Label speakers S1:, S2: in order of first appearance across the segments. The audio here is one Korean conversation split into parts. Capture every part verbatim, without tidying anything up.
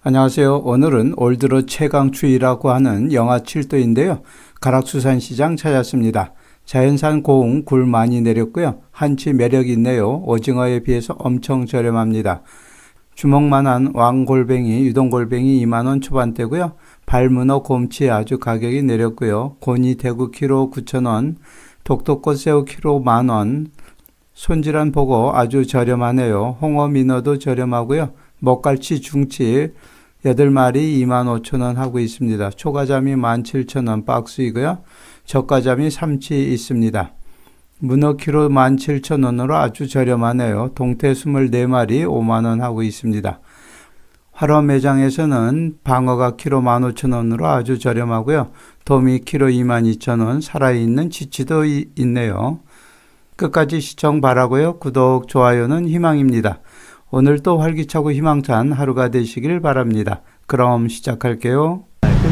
S1: 안녕하세요. 오늘은 올 들어 최강추위라고 하는 영하 칠 도인데요. 가락수산시장 찾았습니다. 자연산 고흥 굴 많이 내렸고요. 한치 매력 있네요. 오징어에 비해서 엄청 저렴합니다. 주먹만한 왕골뱅이, 유동골뱅이 이만 원 초반대고요. 발문어 곰치 아주 가격이 내렸고요. 고니 대구 키로 구천 원, 독도꽃 새우 키로 만 원, 손질한 보고 아주 저렴하네요. 홍어 민어도 저렴하고요. 먹갈치 중치 여덟 마리 이만 오천 원 하고 있습니다. 초가자미 만 칠천 원 박스이고요. 저가자미 삼치 있습니다. 문어 키로 만 칠천 원으로 아주 저렴하네요. 동태 이십사 마리 오만 원 하고 있습니다. 화로 매장에서는 방어가 키로 만 오천 원으로 아주 저렴하고요. 도미 키로 이만 이천 원, 살아있는 치치도 이, 있네요. 끝까지 시청 바라고요. 구독, 좋아요는 희망입니다. 오늘도 활기차고 희망찬 하루가 되시길 바랍니다. 그럼 시작할게요.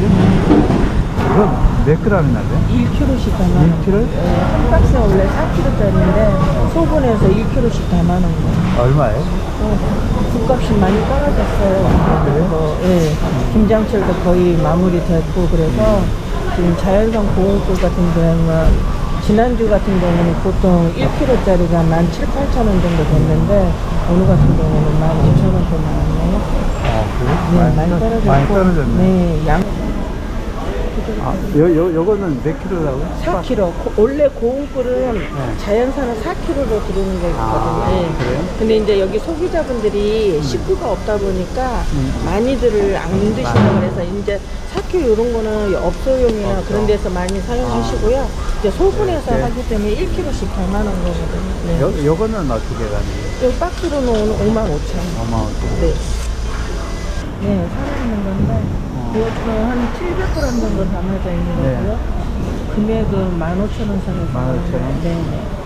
S2: 이건 몇 g이나 돼?
S3: 일 킬로그램씩 담아놓은
S2: 일 킬로그램?
S3: 거. 네, 한 박스에 원래 사 킬로그램짜리인데 소분해서 일 킬로그램씩 담아놓은 거.
S2: 얼마에?
S3: 어, 국값이 많이 떨어졌어요. 그리고 예, 김장철도 거의 마무리됐고 그래서 지금 자연산 고흥굴 같은 경우는 지난주 같은 경우는 보통 일 킬로그램짜리가 만 칠, 팔천 원 정도 됐는데 오늘 같은 경우는 만 오천 원 정도 나왔네요.
S2: 아, 그래?
S3: 네,
S2: 많이,
S3: 많이 떨어졌고.
S2: 많이 떨어졌네.
S3: 네, 양.
S2: 아, 요, 요, 요거는 몇 킬로라고?
S3: 사 킬로그램. 고, 원래 고흥굴은
S2: 네.
S3: 자연산은 사 킬로그램로 들어오는 거거든요.
S2: 아,
S3: 예.
S2: 그래요?
S3: 근데 이제 여기 소비자분들이 식구가 없다 보니까 많이들 안 드신다고 그래서 이제 사 킬로그램 이런 거는 업소용이나
S2: 없어.
S3: 그런 데서 많이 사용하시고요. 이제 소분해서
S2: 네.
S3: 하기 때문에 일 킬로그램씩 담아놓은 거거든요. 네.
S2: 요, 요거는 어떻게 가는 거예요?
S3: 이 박스로 놓은 오만 오천 원.
S2: 어마어마.
S3: 네. 네, 살아있는 건데, 이것도 한 칠백 그램 정도 담아져 있는
S2: 네.
S3: 거고요. 금액은 만 오천 원 선에서.
S2: 만 오천 원?
S3: 네.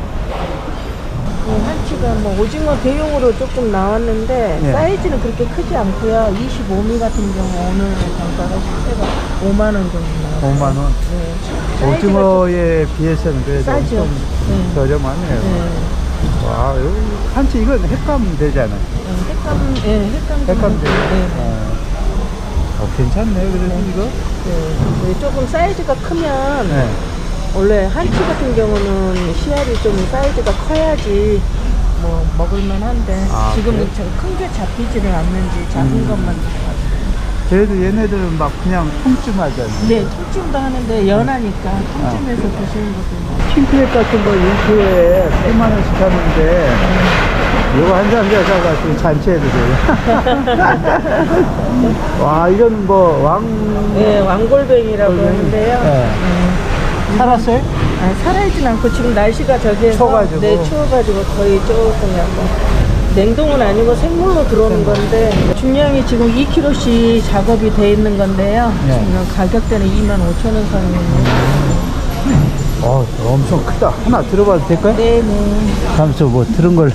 S3: 이 한치가 뭐 오징어 대용으로 조금 나왔는데,
S2: 네.
S3: 사이즈는 그렇게 크지 않고요. 이십오 밀리미터 같은 경우 오늘 단가가 실제가 오만 원 정도 나와요.
S2: 오만 원?
S3: 네. 사이즈가
S2: 오징어에 비해서는 그래도
S3: 싸죠.
S2: 엄청
S3: 네.
S2: 저렴하네요.
S3: 네.
S2: 와, 여기 한치 이건 횟감 되잖아요.
S3: 네, 횟감, 네, 횟감.
S2: 횟감
S3: 정도.
S2: 돼요?
S3: 네.
S2: 어. 어, 괜찮네요. 그래도
S3: 네.
S2: 이거?
S3: 네. 네, 조금 사이즈가 크면,
S2: 네.
S3: 원래 한치 같은 경우는 씨알이 좀 사이즈가 커야지 뭐 먹을만 한데
S2: 아,
S3: 지금은
S2: 그래요?
S3: 큰 게 잡히지를 않는지 작은
S2: 음.
S3: 것만 잡아요.
S2: 그래도 얘네들은 막 그냥 통쯤하잖아요.
S3: 네, 통찜도 하는데 연하니까 통찜해서 드시는 것도
S2: 킹크랩 같은 거 일 킬로그램에 팔만 원씩 하는데 이거 한 잔 사다가 지금 잔치해도 돼요. 와, 이건 뭐 왕...
S3: 네, 왕골뱅이라고
S2: 골뱅이.
S3: 하는데요.
S2: 네.
S3: 네.
S2: 살았어요?
S3: 아, 살아있진 않고 지금 날씨가 저기에서
S2: 추워가지고.
S3: 네, 추워가지고 거의 조금 약간 냉동은 아니고 생물로 들어오는 건데 중량이 지금 이 킬로그램씩 작업이 돼 있는 건데요.
S2: 네.
S3: 지금 가격대는 이만 오천 원 선입니다.
S2: 어, 엄청 크다. 하나 들어봐도 될까요?
S3: 네네.
S2: 다음서 뭐 들은 걸.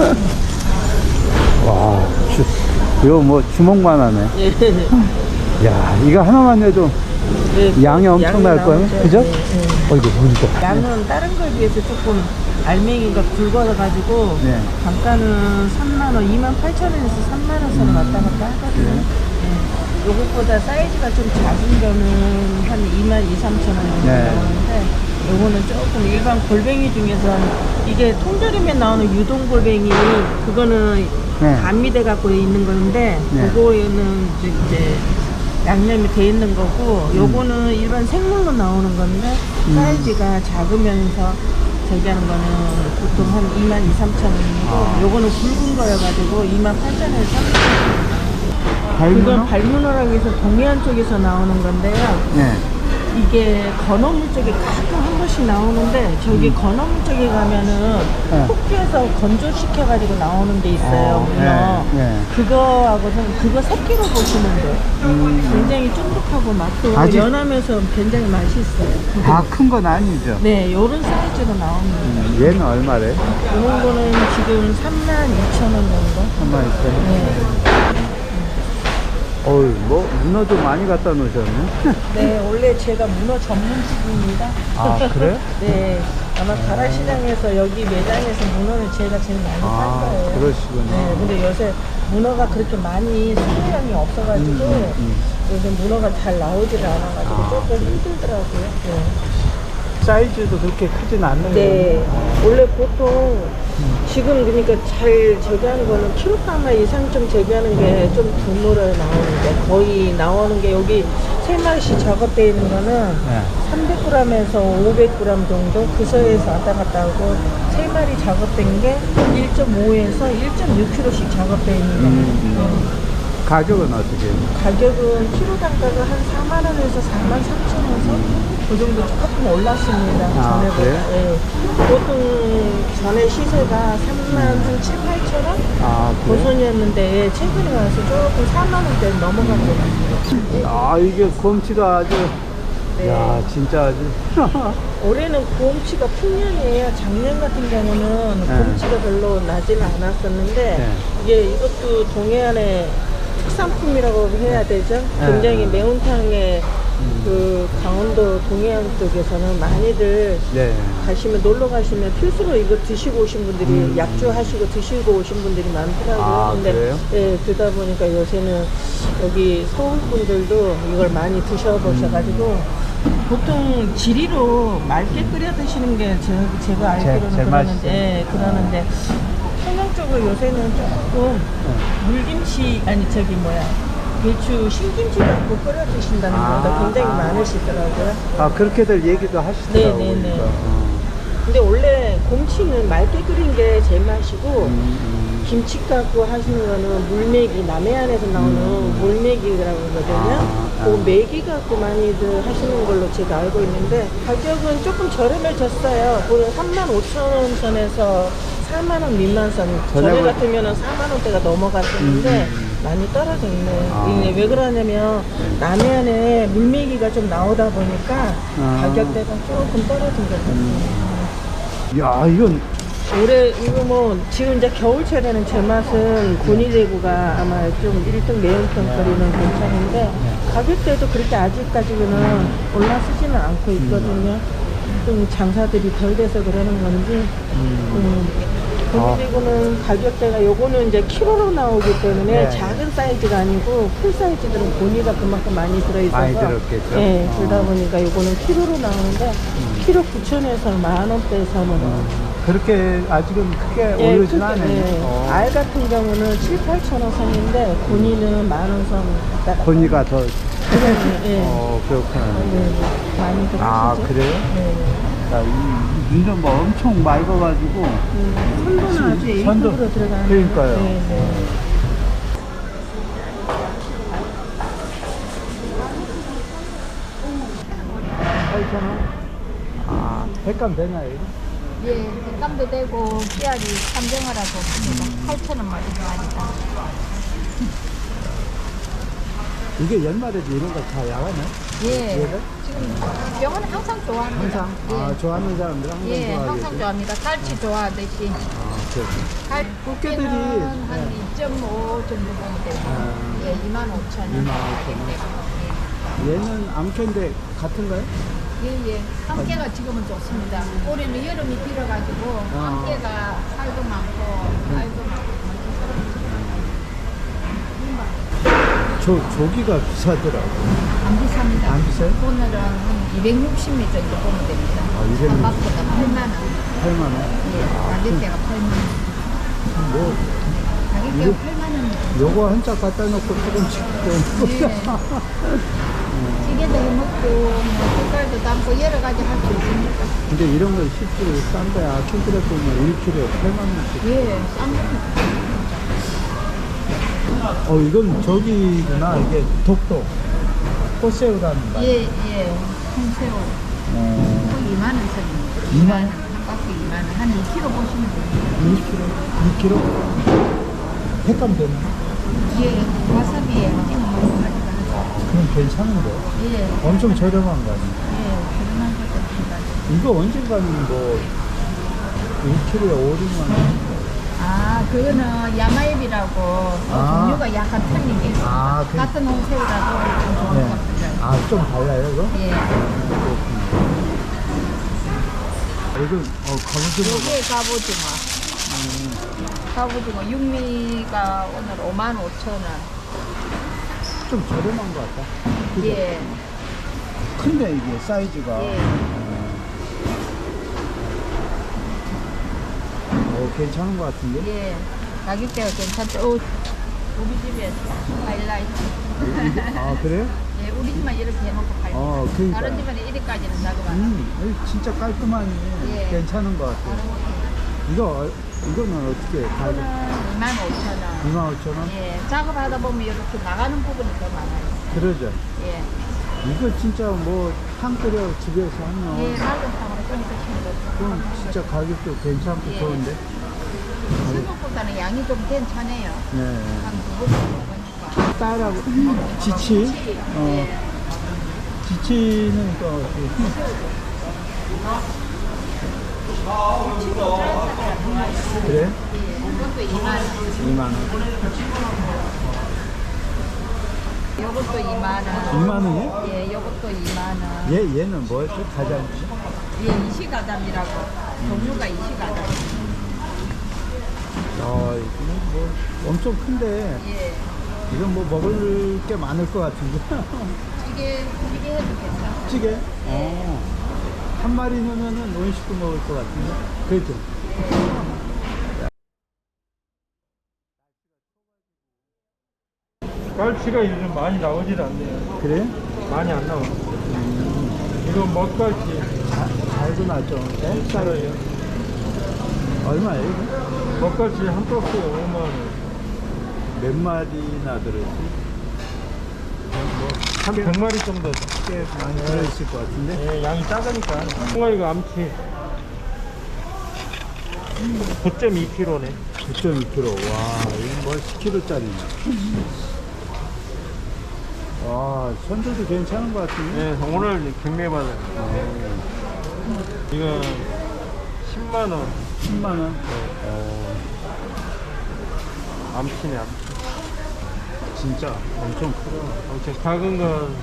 S2: 와, 주, 이거 뭐 주먹만 하네.
S3: 네.
S2: 야, 이거 하나만 해도
S3: 네,
S2: 양이 엄청날
S3: 양이
S2: 거예요.
S3: 나오죠.
S2: 그죠?
S3: 네, 네.
S2: 어, 이거 보니까.
S3: 양은 다른 거에 비해서 조금 알맹이가 굵어가지고
S2: 네.
S3: 단가는 삼만 원, 이만 팔천 원에서 삼만 원 선을 왔다 갔다 하거든요.
S2: 그래요?
S3: 네. 요것보다 사이즈가 좀 작은 거는 한 이만 이, 삼천 원 정도
S2: 네.
S3: 나오는데 요거는 조금 일반 골뱅이 중에서 이게 통조림에 나오는 유동 골뱅이 그거는
S2: 네.
S3: 감미돼 갖고 있는 건데
S2: 네.
S3: 그거는 이제 양념이 돼 있는 거고 요거는 일반 생물로 나오는 건데
S2: 음.
S3: 사이즈가 작으면서 저기 하는 거는 보통 한 이만 이, 삼천 원이고
S2: 아.
S3: 요거는 굵은 거여가지고 이만 팔천 원에서 삼천 원.
S2: 발문어?
S3: 이건 발문어라고 해서 동해안 쪽에서 나오는 건데요.
S2: 네.
S3: 이게 건어물 쪽에 가끔 한 번씩 나오는데 저기
S2: 음.
S3: 건어물 쪽에 가면은
S2: 네.
S3: 폭주해서 건조시켜가지고 나오는 게 있어요.
S2: 어,
S3: 문어.
S2: 네, 네.
S3: 그거하고는 그거 새끼로 보시면 돼요.
S2: 음,
S3: 굉장히 쫀득하고 맛도
S2: 아직-
S3: 연하면서 굉장히 맛이 있어요.
S2: 다 큰 건 아니죠?
S3: 네, 요런 사이즈로 나옵니다.
S2: 음, 얘는 얼마래?
S3: 이런 거는 지금 삼만 이천 원 정도?
S2: 한만 있어요.
S3: 네.
S2: 어, 어이, 뭐, 문어도 많이 갖다 놓으셨네.
S3: 네, 원래 제가 문어 전문집입니다.
S2: 아, 그래요?
S3: 네, 아마 가락시장에서 여기 매장에서 문어를 제가 제일 많이 산
S2: 아,
S3: 거예요.
S2: 그러시구나.
S3: 네, 근데 요새 문어가 그렇게 많이 수량이 없어가지고
S2: 음, 음, 음.
S3: 요새 문어가 잘 나오지를 않아가지고
S2: 아,
S3: 조금
S2: 그래요?
S3: 힘들더라고요. 네.
S2: 사이즈도 그렇게 크진 않네요.
S3: 네, 원래 보통 지금 그러니까 잘 재배하는 거는 킬로그램 이상 좀 재배하는 게 좀 드물어요 나오는데 거의 나오는 게 여기 세 마리씩 작업되어 있는 거는
S2: 네.
S3: 삼백 그램에서 오백 그램 정도 그 사이에서 왔다 갔다 하고 세 마리 작업된 게 일 점 오에서 일 점 육 킬로그램씩 작업되어 있는 거예요.
S2: 음. 가격은 어떻게 해요?
S3: 가격은 키로 단가가 한 사만 원에서 사만 삼천 원 그 정도 조금 올랐습니다.
S2: 아,
S3: 전에보다.
S2: 그래요?
S3: 예. 보통 전에 시세가 삼만 한 칠, 팔천 원?
S2: 아, 그래요?
S3: 고선이었는데 예, 최근에 와서 조금 사만 원대 넘어간 것 같아요.
S2: 아, 이게 곰치가 아주,
S3: 네.
S2: 야, 진짜 아주.
S3: 올해는 곰치가 풍년이에요. 작년 같은 경우는
S2: 네.
S3: 곰치가 별로 나지는 않았었는데
S2: 네.
S3: 이게 이것도 동해안의 특산품이라고 해야 되죠.
S2: 네.
S3: 굉장히 매운탕에 그 강원도 동해안 쪽에서는 많이들
S2: 네.
S3: 가시면 놀러 가시면 필수로 이거 드시고 오신 분들이
S2: 음.
S3: 약주하시고 드시고 오신 분들이 많더라고요.
S2: 아,
S3: 근데
S2: 그래요?
S3: 예, 그러다 보니까 요새는 여기 서울 분들도 이걸 많이 드셔보셔가지고
S2: 음.
S3: 보통 지리로 맑게 끓여 드시는 게 제, 제가 알기로는
S2: 제일
S3: 그러는데
S2: 맛있어요.
S3: 예, 그러는데 평양 쪽으로 요새는 조금 물김치 아니 저기 뭐야 배추 신김치 갖고 끓여 드신다는
S2: 아,
S3: 분들 굉장히
S2: 아.
S3: 많으시더라고요.
S2: 아, 그렇게들 얘기도 하시더라고요.
S3: 네, 네, 네.
S2: 그러니까. 어.
S3: 근데 원래 곰치는 맑게 끓인 게 제일 맛이고
S2: 음, 음.
S3: 김치 갖고 하시는 거는 물메기 남해안에서 나오는 물메기라고 하거든요.
S2: 아, 아.
S3: 그 메기 갖고 많이들 하시는 걸로 제가 알고 있는데 가격은 조금 저렴해졌어요. 보통 삼만 오천 원 선에서 사만 원 미만 선. 전에
S2: 저녁을-
S3: 같으면 사만 원대가 넘어갔었는데
S2: 음, 음.
S3: 많이 떨어져 있네요.
S2: 아.
S3: 이게 왜 그러냐면 남해안에 물메기가 좀 나오다 보니까
S2: 아.
S3: 가격대가 조금 떨어진 것 같아요.
S2: 야, 이건
S3: 올해 이거 뭐 지금 이제 겨울철에는 제 맛은 곤이대구가 아마 좀 일 등 매운탕거리는 괜찮은데 가격대도 그렇게 아직까지는 올라서지는 않고 있거든요. 좀 장사들이 덜 돼서 그러는 건지 음, 곤이대구는 가격대가 요거는 이제 키로로 나오기 때문에
S2: 네.
S3: 작은 사이즈가 아니고 풀 사이즈들은 곤이가 그만큼 많이 들어있어서
S2: 많이 들었겠죠.
S3: 예, 그러다
S2: 어.
S3: 보니까 요거는 키로로 나오는데 키로 구천에서 만 원대 선으로
S2: 그렇게 아직은 크게
S3: 예,
S2: 오르진
S3: 크게,
S2: 않아요.
S3: 예.
S2: 어.
S3: 알 같은 경우는 칠, 팔천 원 선인데 곤이는 만 원 선. 왔다
S2: 권위가 더,
S3: 갔다. 예.
S2: 어, 그렇구나.
S3: 네, 네. 많이 들어시죠?
S2: 아, 그래요?
S3: 네.
S2: 자, 이 눈좀 뭐 엄청 맑아가지고.
S3: 음, 선도는 아주
S2: 선도.
S3: A급으로 들어가는.
S2: 그러니까요.
S3: 네, 네.
S2: 팔천 원? 아, 횟감 되나요?
S4: 예, 횟감도 되고 씨알이 삼정어라고 봅니다. 팔천 원 맞은 말이다.
S2: 이게 연말에도 이런 거 다 야가네?
S4: 예,
S2: 얘가?
S4: 지금 병원은 항상 좋아합니다.
S2: 항상? 아, 좋아하는 사람들 항상
S4: 예, 예,
S2: 좋아하겠지?
S4: 항상 좋아합니다. 갈치 좋아하듯이.
S2: 아, 그렇죠.
S4: 갈
S2: 꽃게들이,
S4: 꽃게는 한
S2: 네.
S4: 이 점 오 정도 보면 되고,
S2: 아.
S4: 예, 이만 오천 원.
S2: 이만 오천 원. 얘는 암캐인데 같은가요?
S4: 예, 예. 함께가 지금은 좋습니다. 올해는 여름이 길어가지고
S2: 아.
S4: 함께가 살도 많고 알도 많고.
S2: 조, 조기가 비싸더라고.
S4: 안 비쌉니다.
S2: 안 비싸요?
S4: 오늘은 한 이백육십 미 정도 보면 됩니다.
S2: 아, 이백육십.
S4: 바닥보다 팔만 원.
S2: 팔만 원.
S4: 예, 가격대가 팔만 원.
S2: 뭐,
S4: 가격대가
S2: 이거-
S4: 팔만 원.
S2: 요거 한 짝 갖다 놓고 조금씩 좀.
S4: 예. 찌개도 해먹고, 뭐, 색깔도 담고, 여러 가지 할 수 있으니까.
S2: 근데 이런 거 실제로 싼 거야. 킹크랩 보면 일 킬로그램에 팔만 원씩.
S4: 예, 싼 겁니다.
S2: 어, 이건 저기구나. 이게 독도. 꽃새우라는 말.
S4: 예, 예. 홍새우.
S2: 어,
S4: 꼭 이만 원 선입니다.
S2: 이만
S4: 원? 한 바퀴 이만 원. 한 이 킬로그램 보시면 됩니다.
S2: 이 킬로그램. 이 킬로그램. 횟감 되나?
S4: 예, 와사비에 찍어 먹는 가지고 하죠.
S2: 그럼 괜찮은데.
S4: 예,
S2: 엄청 저렴한 거 아니야?
S4: 예, 저렴한 것도 없습니다.
S2: 이거 언젠가는 뭐 일 킬로그램에 오, 육만 원.
S4: 아, 그거는 야마잎이라고
S2: 아.
S4: 종류가 약간 틀린 게 있어요.
S2: 아, 그-
S4: 같은 홍새우라도 좀 좋은
S2: 네.
S4: 것 같아요.
S2: 아, 좀 달라요, 이거?
S4: 예.
S2: 이건, 어, 갑오징어.
S4: 요게 갑오징어.
S2: 음.
S4: 갑오징어 육미가 오늘 오만 오천 원.
S2: 좀 저렴한 것 같다. 그죠?
S4: 예.
S2: 큰데, 이게 사이즈가.
S4: 예.
S2: 어, 괜찮은 것 같은데?
S4: 예. 가격대가 괜찮죠. 어, 우리 집에 하이라이트.
S2: 이게- 아, 그래요?
S4: 예, 우리 집만 이렇게 해놓고 팔고.
S2: 어, 그러니까.
S4: 다른 집은 이리까지는 작업 안 해요.
S2: 음, 이거 진짜 깔끔하니
S4: 예.
S2: 괜찮은 것 같아요.
S4: 다른 것도.
S2: 이거, 어- 이거는 어떻게 가격?
S4: 이거는 이만 오천 원.
S2: 이만 오천 원?
S4: 예, 작업하다 보면 이렇게 나가는 부분이 더 많아요.
S2: 그러죠.
S4: 예.
S2: 이거 진짜 뭐, 탕 끓여 집에서 하면,
S4: 예, 맑은 탕으로 좀 드시면 되죠.
S2: 그럼 진짜 가격도 괜찮고
S4: 예.
S2: 좋은데?
S4: 생각보다는 양이 좀 괜찮아요.
S2: 네.
S4: 한두번 먹으니까.
S2: 딸하고, 지치? 어,
S4: 예.
S2: 지치는 또, 어떻게- 그래?
S4: 예, 이것도 이만 원.
S2: 이만 원.
S4: 이것도 이만 원.
S2: 이만 원이요?
S4: 예, 이것도 이만 원.
S2: 얘, 얘는 뭐였죠? 가자미지?
S4: 예, 이시가담이라고. 종류가 이시가담.
S2: 아, 이거는 뭐, 엄청 큰데,
S4: 예.
S2: 이건 뭐 먹을 게 많을 것 같은데.
S4: 찌개, 찌개 해도 괜찮아요.
S2: 찌개? 어. 한 마리 넣으면은 온 식구 먹을 것 같은데. 그렇죠?
S5: 갈치가 요즘 많이 나오질 않네요.
S2: 그래?
S5: 많이 안 나와. 이건 먹갈치.
S2: 잘도 났죠. 네?
S5: 싸요.
S2: 얼마예요, 이거?
S5: 먹갈치 한 박스에 오만 원.
S2: 몇 마리나 들었지?
S5: 한 백 마리 정도.
S2: 꽤 많이 들어있을 것 같은데?
S5: 예, 양이 작으니까. 홍어이가 암치. 구 점 이 킬로그램네.
S2: 구 점 이 킬로그램. 와, 이건 뭐 십 킬로그램짜리네. 와, 선조도 괜찮은 것 같은데?
S5: 예, 오늘 경매받아요. 이거 십만 원.
S2: 십만 원? 어,
S5: 암치네, 암치.
S2: 진짜 엄청 크다.
S5: 아무튼 작은 건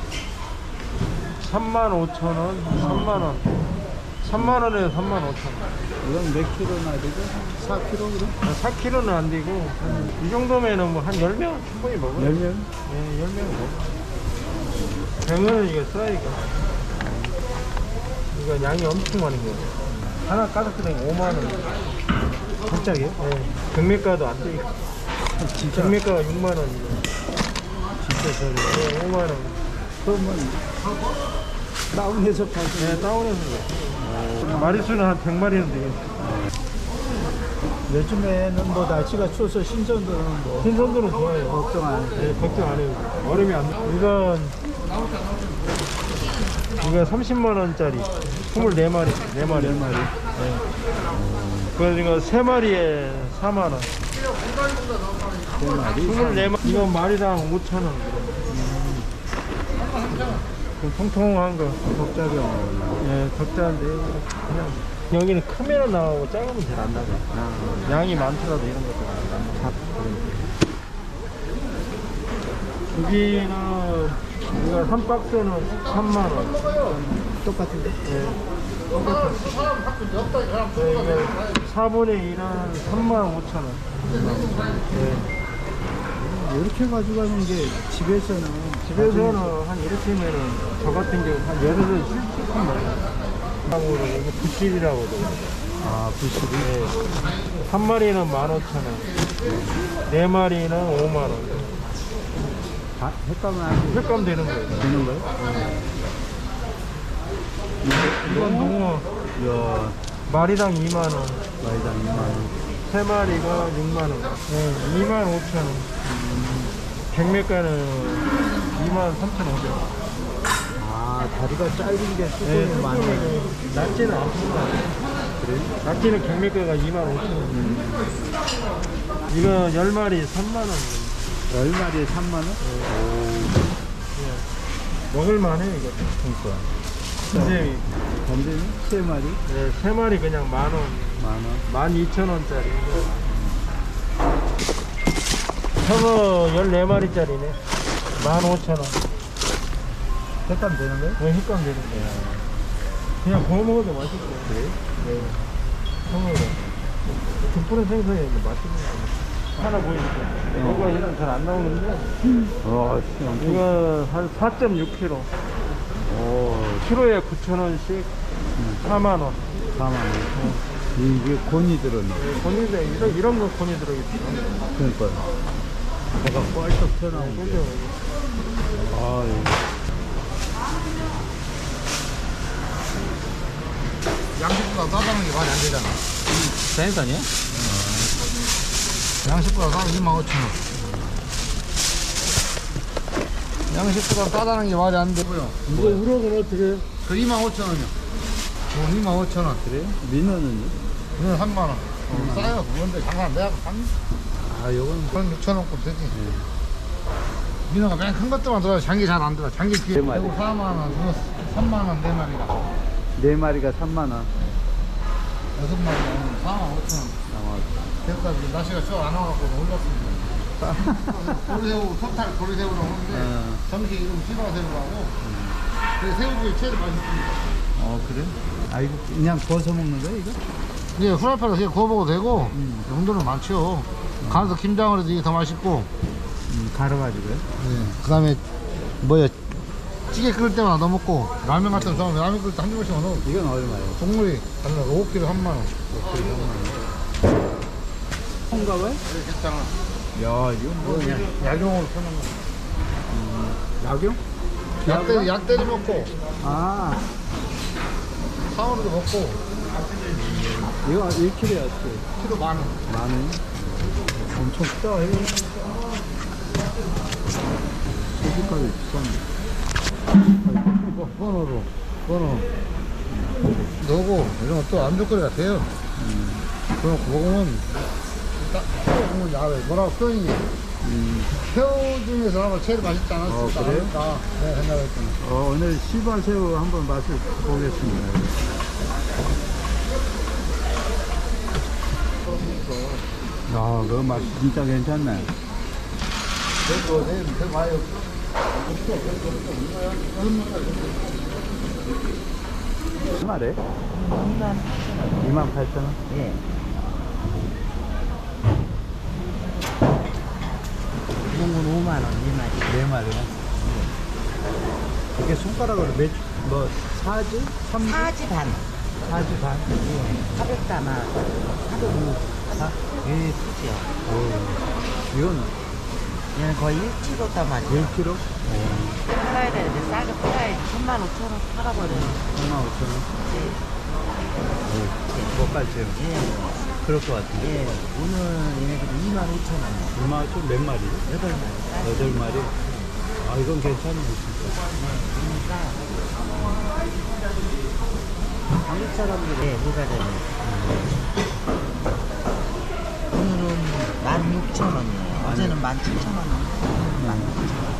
S5: 삼만 오천 원, 삼만 원. 삼만 원에서 삼만 오천 원.
S2: 이건 몇 킬로나 되죠? 사 킬로그램?
S5: 사 킬로그램는 안 되고, 한 이 정도면은 뭐 한 열 명 충분히 먹어요.
S2: 열 명?
S5: 예, 열 명 먹어요. 병어는 이거 써야니까. 이거 양이 엄청 많은 거예요. 하나 까닥까닥 오만 원.
S2: 갑자기요?
S5: 예, 경매가도 안 돼.
S2: 진짜?
S5: 경매가가 육만 원이에요.
S2: 진짜 저렴.
S5: 예, 오만 원.
S2: 그러면 다운해서 팔고.
S5: 예, 다운해서. 그래요. 마리수는 한 백 마리는 되겠어요.
S2: 요즘에는 뭐 날씨가 추워서 신선도는 뭐
S5: 신선도는 좋아요.
S2: 걱정 안 해도
S5: 예, 걱정 안 해요. 얼음이 안 돼. 이건, 이거 삼십만 원짜리. 스물네 마리. 네 마리.
S2: 열 마리.
S5: 예. 그래서 이거 세 마리에 사만 원.
S2: 세 마리.
S5: 스물네 마리. 이거 마리당 오천 원. 좀 통통한 거.
S2: 적자경.
S5: 예, 적자인데. 그냥. 여기는 크면은 나오고 작으면 잘 안 나가. 양이 많더라도 이런 것도 안 나가. 여기는, 이거 한 박스는 삼만 원.
S2: 똑같은데?
S5: 예. 똑같아. 네, 이거 사분의 일은 삼만 오천 원. 예.
S2: 이렇게 가져가는 게 집에서는
S5: 집에서는 한 이렇게면은 저 같은 경우 한 열흘을 쭉 먹어요. 다음으로 이거 부실이라고 그러죠.
S2: 아 부실이
S5: 예. 한 마리는 만 오천 원. 네 마리는 오만 원.
S2: 다 횟감은 아직
S5: 횟감 되는 거예요.
S2: 되는 거예요?
S5: 이건 농어
S2: 이야
S5: 마리당 이만 원.
S2: 마리당 이만 원.
S5: 세 마리가 육만 원. 예, 이만 오천 원. 경매가는 이만 삼천 오백 원.
S2: 아 다리가 짧은 게
S5: 예,
S2: 뚜껑이 많네.
S5: 뚜껑이 낮지는 않습니다.
S2: 그래?
S5: 낮지는 경매가가 이만 오천 원. 이거 열 마리 삼만 원.
S2: 열 마리에 삼만 원?
S5: 먹을만해 이거.
S2: 그러니까.
S5: 선생님이
S2: 반대는 세 마리
S5: 네, 세 마리 그냥 만 원,
S2: 만 원.
S5: 만 이천 원짜리. 저거 열네 마리짜리네. 만 오천 원.
S2: 색감 되는 거예요?
S5: 왜 휘감 되는 거야. 그냥 구워 먹어도 맛있고.
S2: 그래?
S5: 네. 형으로. 족불은 생선이 맛있는 거 하나 보이니까. 이거 얘는 잘 안 나오는데.
S2: 와,
S5: 이거 한 사 점 육 킬로그램.
S2: 오,
S5: 키로에 구천 원씩 사만 원.
S2: 사만 원. 이게 곤이 들었나?
S5: 곤이 들 이런, 이런 거 곤이 들어있어.
S2: 그러니까. 배가 뻘떡 튀어나오고.
S5: 그죠?
S2: 아,
S6: 양식보다 싸다는 게 말이 안 되잖아.
S2: 생선이야?
S6: 양식보다 싸면 이만 오천 원. 양식보다 싸다는 게 말이 안 되고요.
S5: 이거 우럭은 어떻게 해요?
S6: 그 이만 오천 원이요. 뭐 이만 오천 원.
S2: 그래? 민어는요?
S6: 그건 삼만 원. 어, 싸요. 그건데 장난 내가 산.
S2: 아, 요건
S6: 그건 육천 원꼴 되지. 민어가 맨 큰 것들만 들어요. 장기 잘 안 들어. 장기 뒤에
S2: 네 마리.
S6: 그리고 사만 원, 그거 삼만 원 네 마리가.
S2: 네 마리가 삼만 원.
S6: 여섯 마리가 사만 오천 원. 그러니까 날씨가 쭉 안 와갖고 올랐습니다. 도리새우, 토탈 도리새우라고 하는데
S2: 어.
S6: 정식 이름 시바새우라고. 그래서 새우구이 제일 맛있습니다.
S2: 어, 그래? 아, 이거 그냥 구워서 먹는 거야, 이거?
S6: 예, 후라이팬에서 그냥 구워 먹어도 되고 용도는 많죠. 간에서 김장을 해도 이게 더 맛있고.
S2: 음, 갈아가지고요.
S6: 예. 그 다음에 뭐야 찌개 끓일 때마다 넣어 먹고 라면 같은 거 좋아하면 라면 끓일 때 한 조각씩 넣어.
S2: 이건 얼마예요?
S6: 동물이 달라. 오 킬로그램 삼만 원.
S2: 홍가 왜?
S6: 괜찮아.
S2: 야, 이건 뭐 그냥
S6: 약용으로 펴는 거.
S2: 약용?
S6: 약 때리, 약 때리 먹고
S2: 아,
S6: 사원으로 먹고
S2: 이거 일 킬로그램이었어.
S6: 키로 만 원.
S2: 만 원? 엄청 크다, 이거. 소주값이 비싼데.
S6: 뭐, 번호로 번호 넣고 이런 것도 안주거리가 돼요. 그럼 먹으면 딱 먹으면 야외 뭐라고 표현이 새우 중에서 아마 제일 맛있지 않았을까.
S2: 어, 그래요?
S6: 않을까. 네, 생각했더니
S2: 어, 오늘 시바새우 한번 맛을 보겠습니다. 아, 그 맛 진짜 괜찮네.
S6: 그래도 내일 더 많이
S2: 얼마래? 이만 팔천 원?
S3: 예. 이런 건 오만 원, 네 마리.
S2: 네 마리야? 이게 손가락으로 몇, 뭐, 사지? 삼지?
S3: 사지 반.
S2: 사지 반?
S3: 사백 담아. 사백오.
S2: 사?
S3: 예, 크지요.
S2: 오, 이건
S3: 얘는 거의 일 킬로그램 담아죠.
S2: 일 킬로그램?
S3: 팔아야 되는데 싸게 팔아야지. 삼만 오천 원 팔아버려요.
S2: 삼만 오천 원?
S3: 네.
S2: 못 갈지요?
S3: 예.
S2: 그럴 것 같아.
S3: 예. 오늘 얘네들이 이만 오천 원.
S2: 이만 오천 몇 마리?
S3: 여덟 마리. 싸요.
S2: 여덟 마리? 아, 이건 괜찮네, 진짜.
S3: 그러니까 한국 사람들이 네, 누가 되면 오늘은 만 육천 원이에요. 어제는 만 칠천 원. 만 육천 원.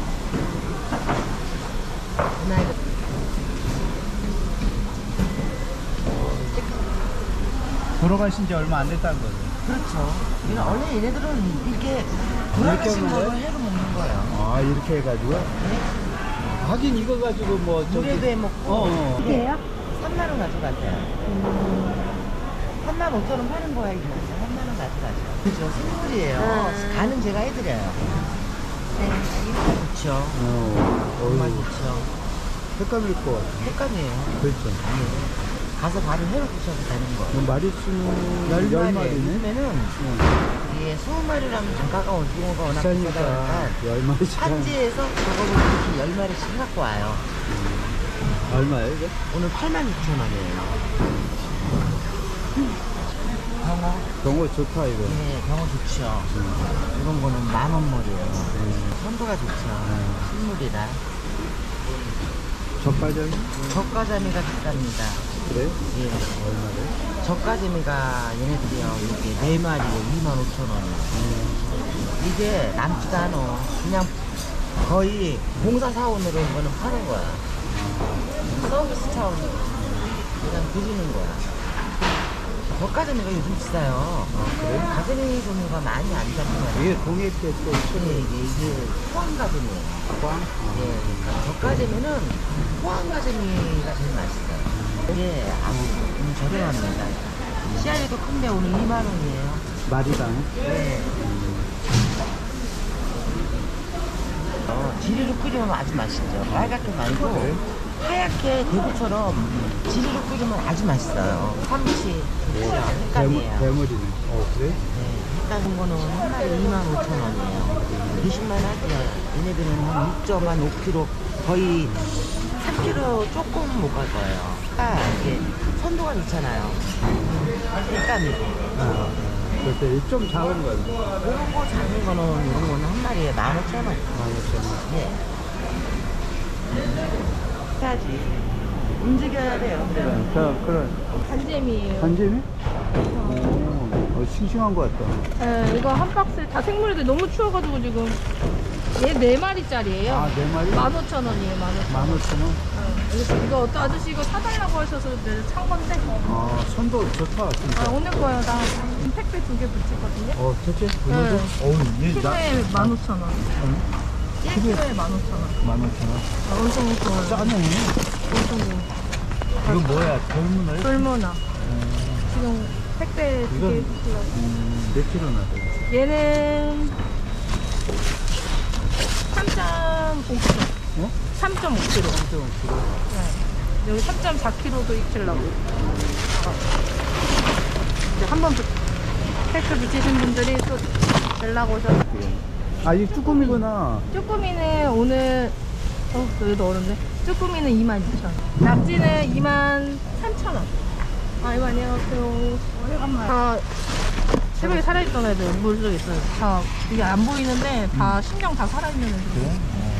S2: 돌아가신 지 얼마 안 됐다는 거죠?
S3: 그렇죠. 얘는 원래 얘네들은 이렇게 돌아가신
S2: 먹는
S3: 거를
S2: 거예요?
S3: 해로 먹는 거예요.
S2: 아, 이렇게 해가지고? 하긴 이거 가지고 뭐, 저기.
S3: 물에도 해 먹고.
S2: 어, 어.
S3: 이게요? 삼만 원 가져가세요. 삼만 오천 원 파는 거야, 이거. 삼만 원 가져가죠. 그죠. 생물이에요. 간은 제가 해드려요. 네. 이거 좋죠.
S2: 어,
S3: 정말
S2: 어이,
S3: 좋죠.
S2: 색감 있고.
S3: 색감이에요.
S2: 그렇죠.
S3: 아니에요. 가서 바로 회로 드셔도 되는 거예요.
S2: 뭐 마리수는
S3: 열
S2: 열
S3: 마리.
S2: 마리네?
S3: 요즘에는 이게 스무 마리라면 단가가 붕어가 워낙 비싸다
S2: 비싸니까
S3: 보니까
S2: 열 마리씩.
S3: 산지에서 저거를 이렇게 열 마리씩 갖고 와요.
S2: 얼마예요, 이게?
S3: 오늘 팔만 육천 원이에요. 병어?
S2: 경호 좋다, 이거.
S3: 네, 병어 좋죠. 이런 거는 만 원물이에요. 선도가 좋죠. 식물이라.
S2: 젓가절?
S3: 젓가자미가 비쌉니다.
S2: 그래?
S3: 예.
S2: 얼마래?
S3: 젓가재미가 얘네들이요 이렇게 네 마리에 이만 오천 원이요. 이게 남지도 않아. 그냥 거의 공사 사원으로 이거는 파는 거야. 서비스 차원으로 그냥 드리는 거야.
S7: 젓가재미가 요즘 비싸요. 가재미 종류가 많이 안 잡혀요.
S2: 이게 동해께 또
S7: 이게, 이게, 이게 포항가재미예요.
S2: 포항?
S7: 예, 그러니까 젓가재미는 포항가재미가 제일 맛있어요. 이게 아주 음, 저렴합니다. 씨알이도 큰데 오늘 이만 원이에요.
S2: 마리당.
S7: 네. 어, 지리로 끓이면 아주 맛있죠. 빨갛게 말고 하얗게 대구처럼 지리로 끓이면 아주 맛있어요. 삼치, 대구, 횟감이에요.
S2: 대물이네. 어, 그래?
S7: 네, 횟감 거는 한 마리 이만 오천 원이에요. 드실만 하죠. 얘네들은 한 육 점 오 킬로그램 거의 삼 킬로그램 조금 못 갈 거예요. 그러니까 이게 선도가 좋잖아요. 횟감이고.
S2: 아, 그때 좀 작은 거는
S7: 이런 거 작은 거는 이런 거는 한 마리에 만 오천 원.
S2: 만 오천 원.
S7: 네. 해야지. 움직여야 돼요.
S2: 그래, 자, 그런
S4: 간잼이에요.
S2: 간잼이? 오, 어, 싱싱한 것 같다.
S4: 네, 이거 한 박스에 다 생물인데 너무 추워가지고 지금 얘 네 마리짜리예요.
S2: 아, 네 마리?
S4: 만 오천 원이에요, 만 오천 원.
S2: 만 오천 원?
S4: 이거, 이거 어떤 아저씨 이거 사달라고 하셔서 내가 산 건데.
S2: 아, 선도 좋다, 진짜.
S4: 아, 오늘 거예요. 나 택배 두 개 붙였거든요.
S2: 어, 대체? 오늘도?
S4: 네.
S2: 어우, 얘 나.
S4: 키로에 만 오천 원. 일 킬로에 만 오천 원.
S2: 만 오천 원.
S4: 아, 엄청 좋아요.
S2: 짜네.
S4: 엄청 좋아요.
S2: 이건 뭐야, 돌문을?
S4: 돌문어. 지금 택배 두 개
S2: 이건-
S4: 붙이려고.
S2: 음, 몇 킬로나 돼?
S4: 얘는 삼 점 오 킬로그램.
S2: 어?
S4: 삼 점 오 킬로그램.
S2: 삼 점 오 킬로그램.
S4: 네. 여기 삼 점 사 킬로그램도 익히려고. 이제 한번 택배 붙이신 분들이 또 연락 오셔서.
S2: 아, 이 쭈꾸미구나.
S4: 쭈꾸미는 오늘, 어, 여기도 어렵네. 쭈꾸미는 이만 이천 원. 낙지는 이만 삼천 원. 아, 이거 안녕하세요. 오래간만에. 아, 새벽에 살아있던 애들 물속에 있어요. 다, 이게 안 보이는데 다 신경 다 살아있는 애들.
S2: 그래?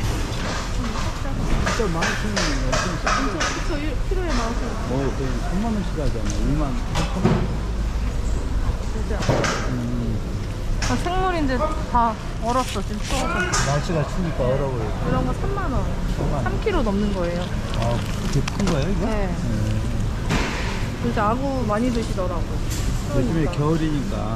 S2: 진짜 만 오천 원이면 엄청 싸.
S4: 그쵸, 일 킬로에 만 오천 원.
S2: 어, 거의 삼만 원씩 하잖아. 이만 오천 원.
S4: 진짜. 아, 생물인데 다 얼었어, 지금 추워서.
S2: 날씨가 추우니까 얼어버려.
S4: 이런 거 삼만 원.
S2: 삼만 원.
S4: 삼 킬로그램 넘는 거예요.
S2: 아, 그렇게 큰 거예요, 이거?
S4: 네. 진짜 아구 많이 드시더라고.
S2: 요즘에
S4: 추우니까.
S2: 겨울이니까.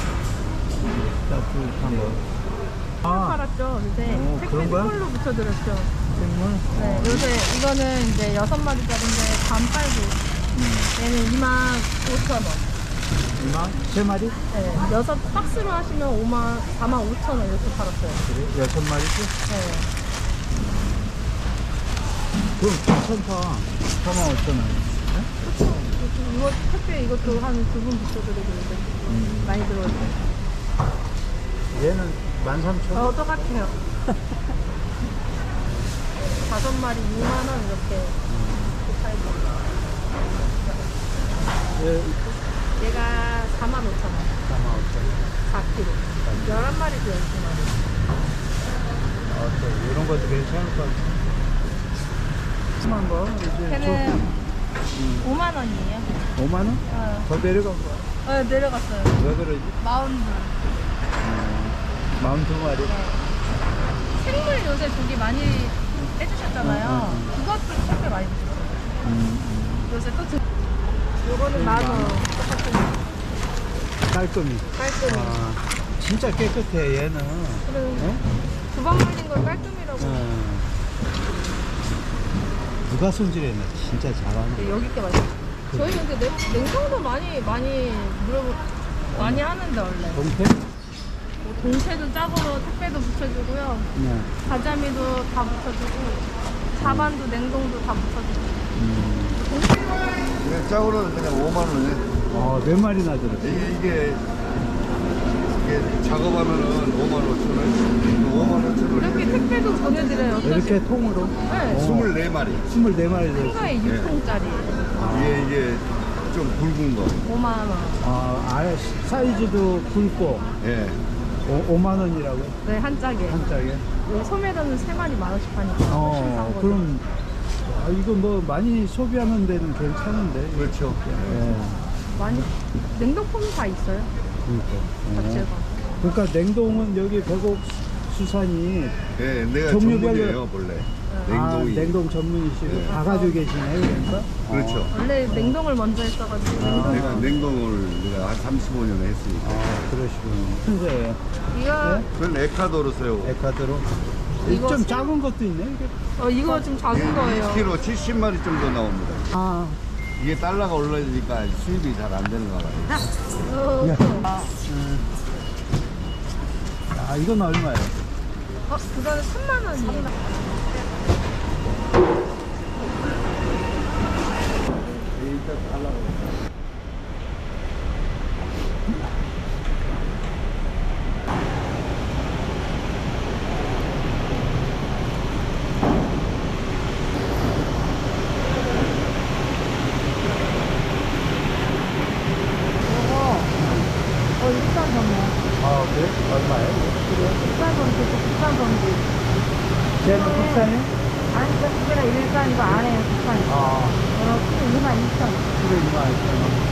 S2: 따뜻한 거. 아,
S4: 팔았죠, 요새.
S2: 어,
S4: 택배
S2: 그런 거야?
S4: 선물로 붙여드렸죠.
S2: 생물?
S4: 네, 요새 이거는 이제 여섯 마리짜리인데 반빨고. 얘는 이만 오천 원.
S2: 이만? 세 마리?
S4: 네, 여섯 박스로 하시면 오만, 사만 오천 원 이렇게 팔았어요.
S2: 그래? 여섯 마리지?
S4: 네.
S2: 그럼 괜찮다. 사만 오천 원.
S4: 그쵸. 이거 택배 이것도 한 두 분 붙여드리고 이제 많이 들어왔어요.
S2: 얘는 만 삼천 원?
S4: 어, 똑같아요. 다섯 마리 이만 원 이렇게 팔고.
S2: 얘
S4: 얘가 사만 오천 원.
S2: 사만 오천 원.
S4: 사 킬로그램. 열한 마리도 열두 마리.
S2: 아, 또 이런 것도 괜찮을 것 같아. 심한 거? 이제
S4: 걔는 오만 원이에요.
S2: 저 오만 원?
S4: 어,
S2: 더 내려간 거야.
S4: 어 내려갔어요.
S2: 왜 그러지?
S4: 마운드.
S2: 마흔두 마리.
S4: 생물 요새 고기 많이 해주셨잖아요. 그것도 택배 많이 주셨어요. 요새 또 드... 요거는 만 원. 똑같은
S2: 깔끔히.
S4: 깔끔히.
S2: 아, 진짜 깨끗해, 얘는.
S4: 그래.
S2: 어?
S4: 두 번 말린 걸 깔끔이라고.
S2: 어. 누가 손질했나? 진짜 잘하네.
S4: 네, 여기 게 맛있어. 저희 근데 냉, 냉동도 많이 많이 물어보 많이 하는데 원래.
S2: 동태?
S4: 뭐 동태도 짝으로 택배도 붙여주고요.
S2: 네.
S4: 가자미도 다 붙여주고 자반도 냉동도 다 붙여주고.
S6: 그냥 짝으로는 그냥 오만 원에.
S2: 어, 몇 마리나 들었지?
S6: 이게, 이게, 이게 작업하면은 오만 오천 원, 오만 오천 원.
S4: 이렇게 택배도 보내드려요.
S2: 이렇게 통으로?
S4: 네.
S6: 스물네 마리.
S2: 스물네 마리
S4: 큰
S2: 들었어.
S4: 거에 육 통짜리예요.
S6: 이게, 이게 좀 굵은 거.
S4: 오만 원.
S2: 아, 아래 사이즈도 굵고,
S6: 예.
S2: 오, 오만 원이라고?
S4: 네, 한 짝에.
S2: 한 짝에?
S4: 여기 소매도는 세 마리 만 원씩 하니까 훨씬 싼
S2: 어,
S4: 거죠.
S2: 그럼, 아, 이거 뭐 많이 소비하는 데는 괜찮은데.
S6: 그렇죠.
S2: 예.
S4: 많이 냉동품이 다 있어요.
S2: 그러니까. 어.
S4: 자체가.
S2: 그러니까 냉동은 여기 백옥 가락수산이
S6: 네, 내가
S2: 종류별로-
S6: 전문이에요, 원래.
S2: 아,
S6: 냉동이.
S2: 냉동 전문이시고
S6: 네.
S2: 다 가지고 계시네요, 그러니까.
S6: 그렇죠.
S4: 원래 냉동을 먼저 했어가지고 냉동.
S6: 내가 냉동을 내가 한 삼십오 년 했으니까.
S2: 아, 그러시군요. 현재예요.
S4: 이거
S6: 그건 에콰도르 새우.
S2: 에콰도르.
S4: 이거
S2: 좀
S4: 새-
S2: 작은 것도 있네, 이게.
S4: 어 이거 좀 작은 거예요.
S6: 일 킬로그램 칠십 마리 정도 나옵니다.
S2: 아,
S6: 이게 달러가 올라지니까 수입이 잘 안 되는 거 같아요.
S4: 어,
S2: 아, 이건 얼마예요?
S4: 어 그거는 삼만 원이에요. 어 비싼 건데.
S2: 아, 그래? 얼마예요?
S4: 비싼 건데 비싼 건데.
S2: 쟤는 국산이?
S4: 아니 저 두개랑 일반 이거 안에 비싼 거.
S2: 아,
S4: 어 그게 이만 이천 원.
S2: 그래, 이만 이천 원.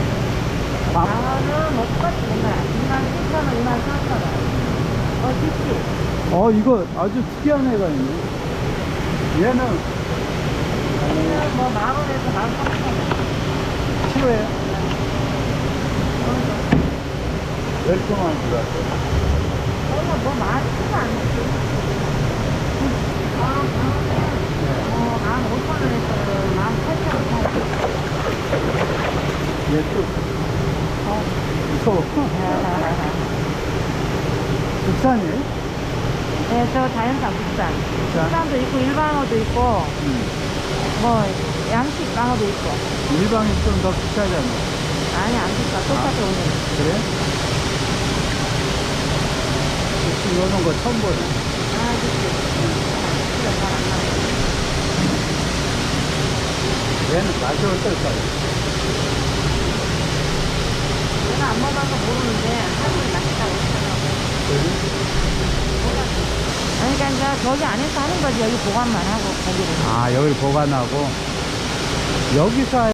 S4: 장어는 뭐 똑같이 맨날 이만 칠천 원, 이만 사천 원. 어 좋지.
S2: 어, 이거 아주 특이한 애가 있네. 얘는
S4: 여기는 뭐만 원에서 만 삼천 원.
S2: 키로에 열 동안 들어왔어요.
S4: 저는 뭐 많지는 않지. 아, 어, 만 오천 원에서 만 팔천 원 사요.
S2: 얘 또, 어, 무서워. 국산이에요?
S4: 네, 저 자연산 국산.
S2: 국산?
S4: 국산도 있고 일반어도 있고
S2: 음.
S4: 뭐 양식 방어도 있고.
S2: 일방이 좀 더 비싸잖아.
S4: 아니 안 비싸. 똑같이 오는.
S2: 그래? 혹시 이런 거 처음 보네.
S4: 아, 그치. 키가 잘안 나네.
S2: 얘는 맛이 어떨까요?
S4: 내가 안 먹어서 모르는데 할머니 맛있다고 하더라고. 아니, 그러니까 이제 저기 안에서 하는 거지. 여기 보관만 하고 거기를.
S2: 아, 여기를 보관하고. 여기서